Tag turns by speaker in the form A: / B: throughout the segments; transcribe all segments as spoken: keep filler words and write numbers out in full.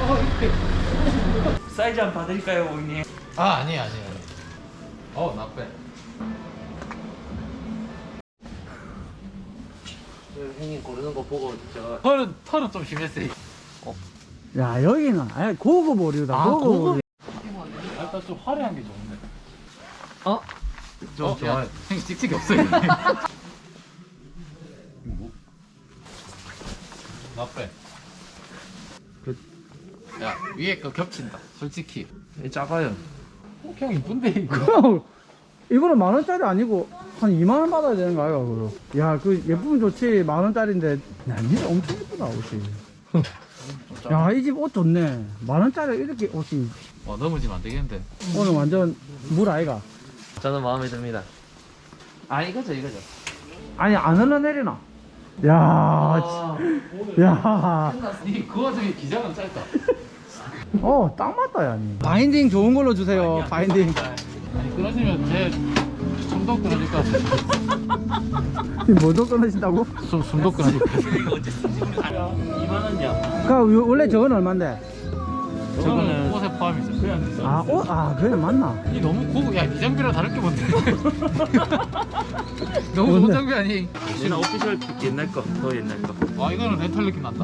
A: 사이즈 한번 봐드릴까요, 고객님?
B: 아 아니에요 아니에요 아니에요. 어 나빼.
C: 형님 고르는 거 보고 제가
B: 털은 털은 좀 심했어요.
D: 야 여기는 아예 고급 오류다.
B: 아,
D: 고급
B: 고급?
D: 오류.
B: 일단 좀 화려한 게 좋은데.
C: 어?
B: 좀 어, 좋아요. 형님 찍찍이 없어요. 뭐? 나빼.
C: 그-
B: 야 위에 거 겹친다. 솔직히.
C: 작아요.
B: 어, 형 이쁜데 이거.
D: 그럼 이거는 만 원짜리 아니고 한 이만 원 받아야 되는 거 아이가 그거. 야그 예쁘면 좋지 만 원짜리인데. 야 니네 엄청 예쁘다 옷이. 야 이 집 옷 좋네. 만 원짜리 이렇게 옷이
B: 와 넘어지면 안 되겠는데.
D: 오늘 완전 물 아이가.
C: 저는 마음에 듭니다. 아 이거죠 이거죠.
D: 아니 안 흘러내리나? 야,
C: 아,
D: 지- 야,
B: 니그 와중에 기장은 짧다.
D: 어, 딱 맞다, 야. 니. 바인딩 좋은 걸로 주세요, 바인딩.
B: 아니 끊어지면 제 숨도 끊어질 것 같아.
D: 뭐도 끊으신다고?
B: 숨 숨도 끊어질 것 같아.
A: 이거 어째 쓰지? 이만 원이야.
D: 그, 원래 저건 얼만데?
B: 저거는 옷에 포함이죠.
A: 그냥 비싸.
D: 아, 어, 아, 그래, 맞나?
B: 이 너무 고급. 야, 이 장비랑 다를 게 뭔데? 너무 좋은
D: 뭔데?
B: 장비 아니?
A: 혹시나 오피셜 픽 옛날 거, 더 옛날 거.
B: 와, 이거는 렌탈 느낌 난다.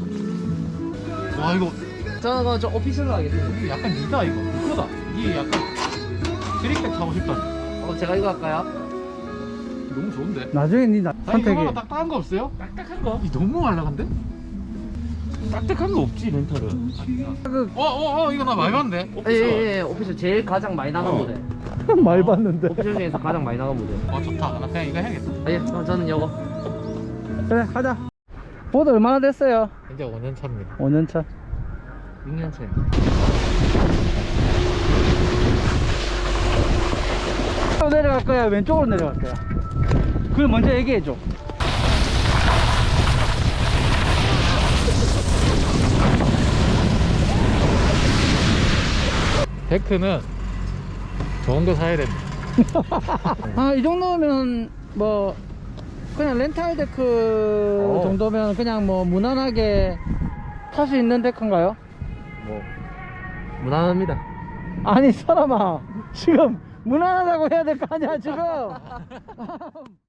B: 와, 이거
C: 저는 좀 오피셜로 하겠습니다.
B: 이거 약간 이다 이거. 이거다. 이게 약간 드립백 타고 싶다.
C: 어 제가 이거 할까요?
B: 너무 좋은데?
D: 나중에 니 나,
B: 아니, 이거
D: 선택이.
B: 하나 딱딱한 거 없어요?
A: 딱딱한 거?
B: 이 너무 말랑한데?
A: 딱딱한 거 없지, 렌탈은.
D: 그,
B: 어, 어, 어, 이거 나 많이 봤는데?
A: 오피셜.
C: 예예 오피셜 제일 가장 많이 나간
A: 어.
C: 모델.
D: 많이 봤는데.
C: 오피셜 중에서 가장 많이 나간 모델.
B: 어, 좋다. 나 그냥 이거 해야겠다.
C: 아, 예 그럼 저는 이거.
D: 그래, 가자. 보드 얼마나 됐어요?
B: 이제 오 년 차입니다.
D: 오 년 차.
C: 육 년 차요.
D: 왼쪽으로 내려갈 거야, 왼쪽으로 내려갈 거야? 그걸 먼저 얘기해줘.
B: 데크는 좋은 거 사야 됩니다.
D: 아, 이 정도면 뭐 그냥 렌탈 데크
C: 어.
D: 정도면 그냥 뭐 무난하게 탈 수 있는 데크인가요?
C: 뭐 무난합니다.
D: 아니 사람아 지금 무난하다고 해야 될 거 아니야 지금.